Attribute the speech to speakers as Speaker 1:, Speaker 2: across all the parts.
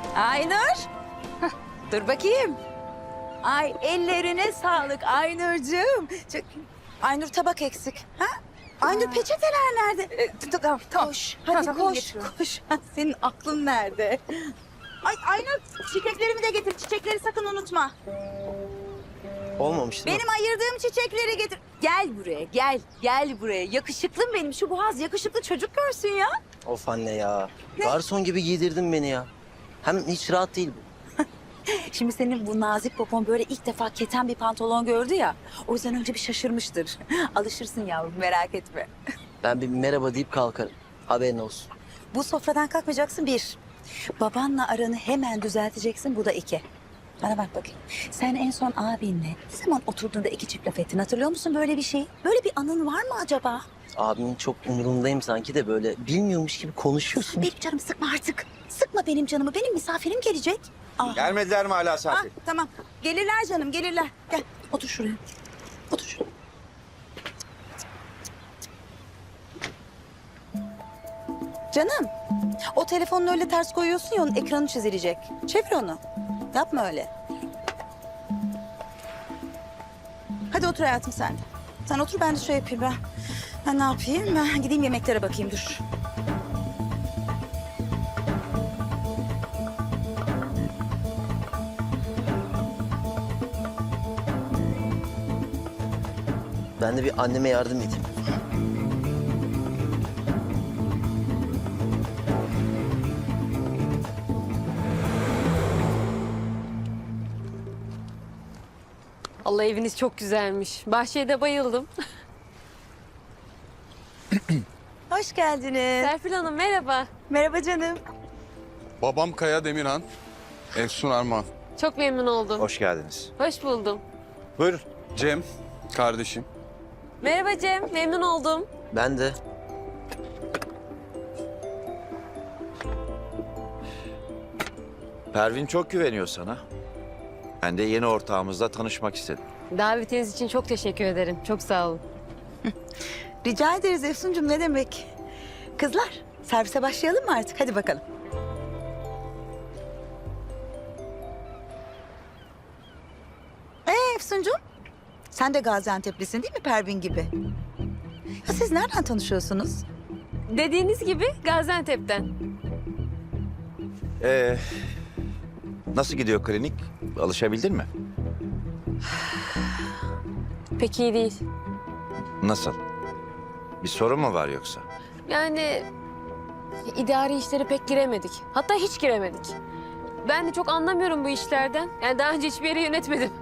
Speaker 1: Aynur. Hah, dur bakayım. Ay ellerine sağlık Aynur'cığım. Aynur tabak eksik. Ha? Aynur peçeteler nerede? Tamam. Koş. Hadi
Speaker 2: Tamam,
Speaker 1: koş.
Speaker 2: getiriyorum.
Speaker 1: Koş. Senin aklın nerede? Ay Aynur çiçeklerimi de getir. Çiçekleri sakın unutma.
Speaker 3: Olmamış değil mi?
Speaker 1: Benim ayırdığım çiçekleri getir. Gel buraya gel. Gel buraya. Yakışıklım benim. Şu boğaz yakışıklı çocuk görsün ya.
Speaker 3: Of anne ya. Garson gibi giydirdin beni ya. Hem hiç rahat değil bu.
Speaker 1: Şimdi senin bu nazik popon böyle ilk defa keten bir pantolon gördü ya. O yüzden önce bir şaşırmıştır. Alışırsın yavrum merak etme.
Speaker 3: Ben bir merhaba deyip kalkarım. Haberin olsun.
Speaker 1: Bu sofradan kalkmayacaksın bir. Babanla aranı hemen düzelteceksin bu da iki. Bana bak bakayım. Sen en son abinle ne zaman oturduğunda iki çift laf ettin hatırlıyor musun böyle bir şey? Böyle bir anın var mı acaba?
Speaker 3: Abimin çok umurundayım sanki de böyle bilmiyormuş gibi konuşuyorsun.
Speaker 1: Benim canımı sıkma artık. Sıkma benim canımı. Benim misafirim gelecek. Ah.
Speaker 4: Gelmediler mi hala
Speaker 1: Ah,
Speaker 4: Serpil?
Speaker 1: tamam. Gelirler canım gelirler. Gel otur şuraya. Otur şuraya. Canım, o telefonunu öyle ters koyuyorsun ya onun ekranı çizilecek. Çevir onu. Yapma öyle. Hadi otur hayatım sen. Sen otur ben de şey yapayım ben. Ben ne yapayım? Ben gideyim yemeklere bakayım dur.
Speaker 3: Ben de bir anneme yardım edeyim.
Speaker 2: Allah eviniz çok güzelmiş. Bahçeye de bayıldım.
Speaker 1: Hoş geldiniz.
Speaker 2: Serpil Hanım merhaba.
Speaker 1: Merhaba canım.
Speaker 5: Babam Kaya Demirhan, Efsun Arman.
Speaker 2: Çok memnun oldum.
Speaker 4: Hoş geldiniz.
Speaker 2: Hoş buldum.
Speaker 4: Buyurun.
Speaker 5: Cem, kardeşim.
Speaker 2: Merhaba Cem, memnun oldum.
Speaker 3: Ben de.
Speaker 4: Pervin çok güveniyor sana. Ben de yeni ortağımızla tanışmak istedim.
Speaker 2: Davetiniz için çok teşekkür ederim. Çok sağ olun.
Speaker 1: Rica ederiz Efsuncuğum ne demek. Kızlar servise başlayalım mı artık? Hadi bakalım. Efsuncuğum sen de Gaziantep'lisin değil mi Pervin gibi? Ya siz nereden tanışıyorsunuz?
Speaker 2: Dediğiniz gibi Gaziantep'ten.
Speaker 4: Nasıl gidiyor klinik? Alışabildin mi?
Speaker 2: Pek iyi değil.
Speaker 4: Nasıl? Bir sorun mu var yoksa?
Speaker 2: Yani idari işlere pek giremedik. Hatta hiç giremedik. Ben de çok anlamıyorum bu işlerden. Yani daha önce hiçbir yeri yönetmedim.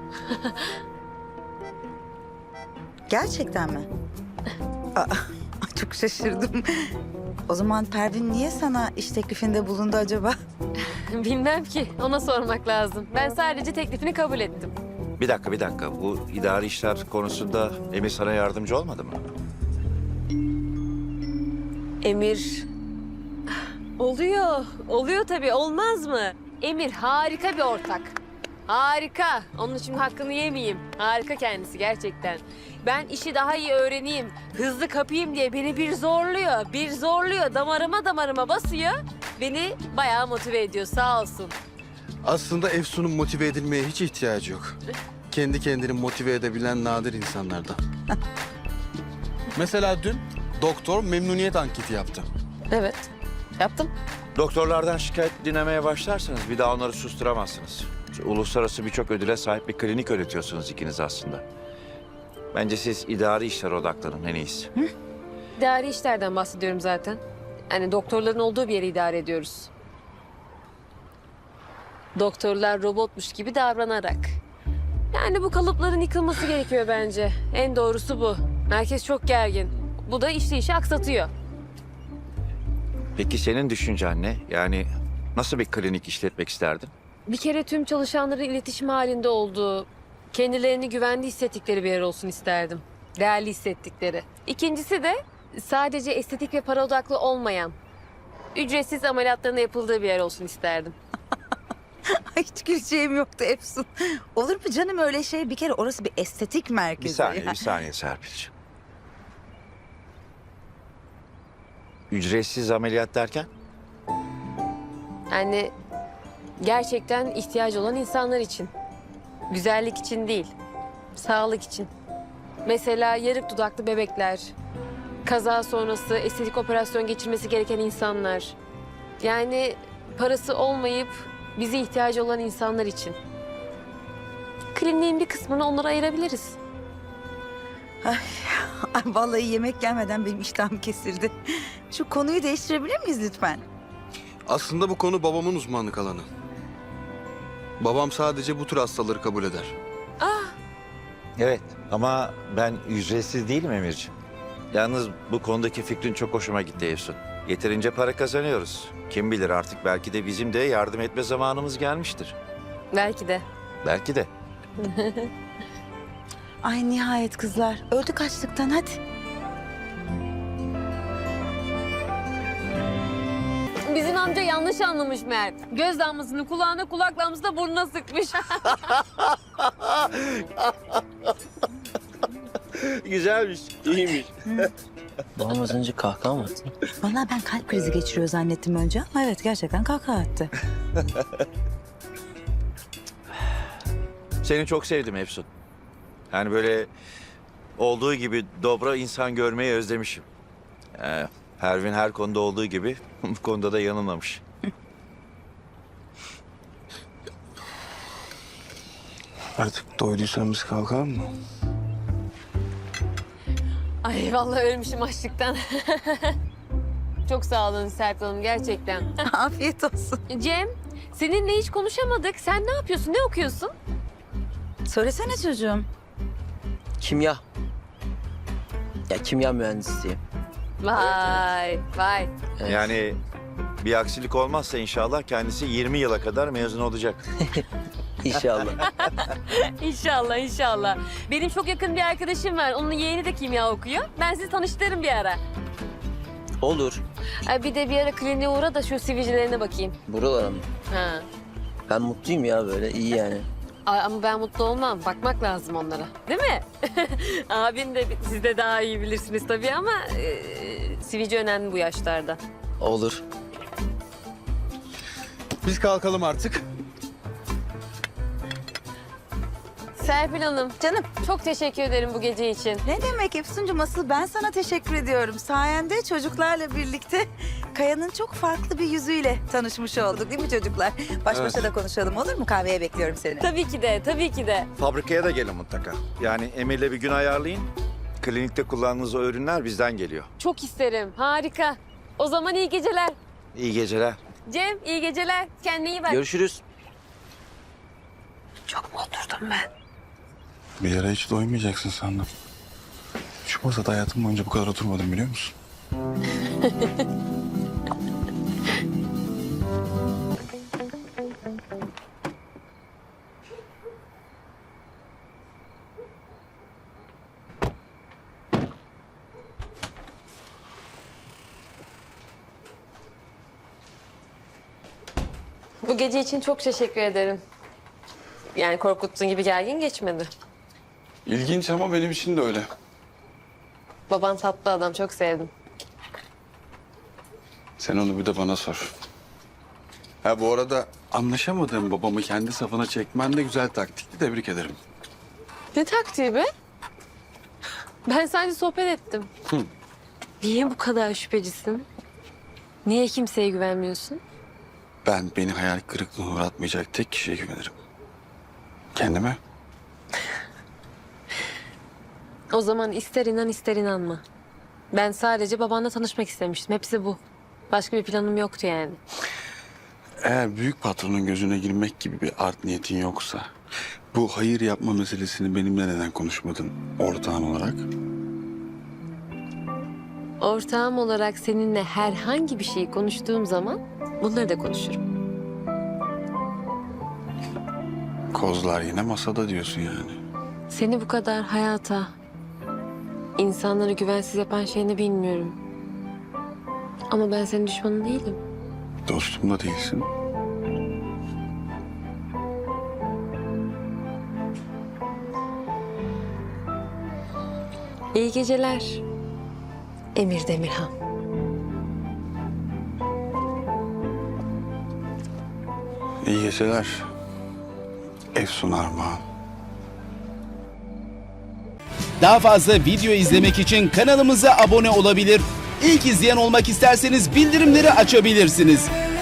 Speaker 1: Gerçekten mi? Aa, çok şaşırdım. O zaman Pervin niye sana iş teklifinde bulundu acaba?
Speaker 2: Bilmem ki. Ona sormak lazım. Ben sadece teklifini kabul ettim.
Speaker 4: Bir dakika. Bu idari işler konusunda Emir sana yardımcı olmadı mı?
Speaker 2: Emir... Oluyor. Oluyor tabii. Olmaz mı? Emir harika bir ortak. Harika. Onun için hakkını yemeyeyim. Harika kendisi gerçekten. Ben işi daha iyi öğreneyim, hızlı kapayım diye beni bir zorluyor. Bir zorluyor. Damarıma basıyor. Beni bayağı motive ediyor sağ olsun.
Speaker 5: Aslında Efsun'un motive edilmeye hiç ihtiyacı yok. Kendi kendini motive edebilen nadir insanlardan. Mesela dün doktor memnuniyet anketi yaptı.
Speaker 2: Evet. Yaptım.
Speaker 4: Doktorlardan şikayet dinlemeye başlarsanız bir daha onları susturamazsınız. Uluslararası birçok ödüle sahip bir klinik yönetiyorsunuz ikiniz aslında. Bence siz idari işlere odaklanın en iyisi.
Speaker 2: İdari işlerden bahsediyorum zaten. Yani doktorların olduğu bir yeri idare ediyoruz. Doktorlar robotmuş gibi davranarak. Yani bu kalıpların yıkılması gerekiyor bence. En doğrusu bu. Merkez çok gergin. Bu da işi aksatıyor.
Speaker 4: Peki senin düşüncen ne? Yani nasıl bir klinik işletmek isterdin?
Speaker 2: Bir kere tüm çalışanların iletişim halinde olduğu, kendilerini güvende hissettikleri bir yer olsun isterdim. Değerli hissettikleri. İkincisi de sadece estetik ve para odaklı olmayan, ücretsiz ameliyatların yapıldığı bir yer olsun isterdim.
Speaker 1: Ay, hiç güleceğim yoktu Efsun. Olur mu canım öyle şey? Bir kere orası bir estetik merkezi.
Speaker 4: Bir saniye Serpil'ciğim. Ücretsiz ameliyat derken?
Speaker 2: Yani Gerçekten ihtiyacı olan insanlar için. Güzellik için değil, sağlık için. Mesela yarık dudaklı bebekler, kaza sonrası estetik operasyon geçirmesi gereken insanlar. Yani parası olmayıp bize ihtiyacı olan insanlar için. Kliniğin bir kısmını onlara ayırabiliriz.
Speaker 1: Ay, vallahi yemek gelmeden benim iştahım kesildi. Şu konuyu değiştirebilir miyiz lütfen?
Speaker 5: Aslında bu konu babamın uzmanlık alanı. Babam sadece bu tür hastaları kabul eder.
Speaker 4: Evet ama ben ücretsiz değilim Emirciğim. Yalnız bu konudaki fikrin çok hoşuma gitti Efsun. Yeterince para kazanıyoruz. Kim bilir artık belki de bizim de yardım etme zamanımız gelmiştir.
Speaker 2: Belki de.
Speaker 4: Belki de.
Speaker 1: Ay nihayet kızlar. Öldük açlıktan hadi.
Speaker 2: Bizim amca yanlış anlamış meğer. Göz damlasını kulağına, kulak damlasını da burnuna sıkmış.
Speaker 4: Güzelmiş, iyiymiş.
Speaker 3: Babam az önce kahkaha mı attı?
Speaker 1: Vallahi ben kalp krizi geçiriyor zannettim önce ama evet gerçekten kahkaha attı.
Speaker 4: Seni çok sevdim Efsun. Yani böyle olduğu gibi dobra insan görmeyi özlemişim. Pervin her konuda olduğu gibi bu konuda da yanılmamış.
Speaker 5: Artık doyduysan biz kalkalım mı?
Speaker 2: Ay vallahi ölmüşüm açlıktan. Çok sağ olun Serpil Hanım gerçekten.
Speaker 1: Afiyet olsun.
Speaker 2: Cem, seninle hiç konuşamadık. Sen ne yapıyorsun, ne okuyorsun?
Speaker 1: Söylesene çocuğum.
Speaker 3: Kimya. Ya kimya mühendisliği.
Speaker 2: Vay, vay.
Speaker 3: Evet.
Speaker 4: Yani bir aksilik olmazsa inşallah kendisi 20 yıla kadar mezun olacak.
Speaker 3: İnşallah.
Speaker 2: İnşallah, inşallah. Benim çok yakın bir arkadaşım var. Onun yeğeni de kimya okuyor. Ben sizi tanıştırırım bir ara.
Speaker 3: Olur.
Speaker 2: Ay, bir de bir ara kliniğe uğra da şu sivilcelerine bakayım.
Speaker 3: Buralara mı?
Speaker 2: Ha.
Speaker 3: Ben mutluyum ya böyle iyi yani.
Speaker 2: Ay, ama ben mutlu olmam. Bakmak lazım onlara. Değil mi? Abin de siz de daha iyi bilirsiniz tabii ama sivilce önemli bu yaşlarda.
Speaker 3: Olur.
Speaker 5: Biz kalkalım artık.
Speaker 2: Serpil Hanım,
Speaker 1: Canım
Speaker 2: çok teşekkür ederim bu gece için.
Speaker 1: ne demek Efsuncuğum, asıl ben sana teşekkür ediyorum. Sayende çocuklarla birlikte Kaya'nın çok farklı bir yüzüyle tanışmış olduk değil mi çocuklar? Baş başa da konuşalım olur mu? Kahveye bekliyorum seni.
Speaker 2: Tabii ki de, tabii ki de.
Speaker 4: Fabrikaya da gelin mutlaka. Yani Emir'le bir gün ayarlayın. Klinikte kullandığınız o ürünler bizden geliyor.
Speaker 2: Çok isterim. Harika. O zaman iyi geceler.
Speaker 4: İyi geceler.
Speaker 2: Cem, iyi geceler. Kendine iyi bak.
Speaker 3: Görüşürüz.
Speaker 1: Çok mu oturdum ben?
Speaker 5: Bir yere hiç doymayacaksın sandım. Şu masada hayatım boyunca bu kadar oturmadım biliyor musun?
Speaker 2: Bu gece için çok teşekkür ederim. Yani korkuttuğun gibi gergin geçmedi.
Speaker 5: İlginç ama benim için de öyle.
Speaker 2: Baban tatlı adam, çok sevdim.
Speaker 5: Sen onu bir de bana sor. Ha bu arada anlaşamadığım babamı kendi safına çekmen de güzel taktikti. Tebrik ederim.
Speaker 2: Ne taktiği be? Ben sadece sohbet ettim. Niye bu kadar şüphecisin? Niye kimseye güvenmiyorsun?
Speaker 5: Ben beni hayal kırıklığına uğratmayacak tek kişiye güvenirim. Kendime.
Speaker 2: O zaman ister inan ister inanma. Ben sadece babanla tanışmak istemiştim. Hepsi bu. Başka bir planım yoktu yani.
Speaker 5: Eğer büyük patronun gözüne girmek gibi bir art niyetin yoksa... ...bu hayır yapma meselesini benimle neden konuşmadın ortağın olarak?
Speaker 2: Ortağım olarak seninle herhangi bir şeyi konuştuğum zaman bunları da konuşurum.
Speaker 5: Kozlar yine masada diyorsun yani.
Speaker 2: Seni bu kadar hayata, insanları güvensiz yapan şey ne bilmiyorum. Ama ben senin düşmanın değilim.
Speaker 5: Dostum da değilsin.
Speaker 2: İyi geceler. Emir Demirhan.
Speaker 5: İyi geceler. Efsun Armağan.
Speaker 6: Daha fazla video izlemek için kanalımıza abone olabilir. İlk izleyen olmak isterseniz bildirimleri açabilirsiniz.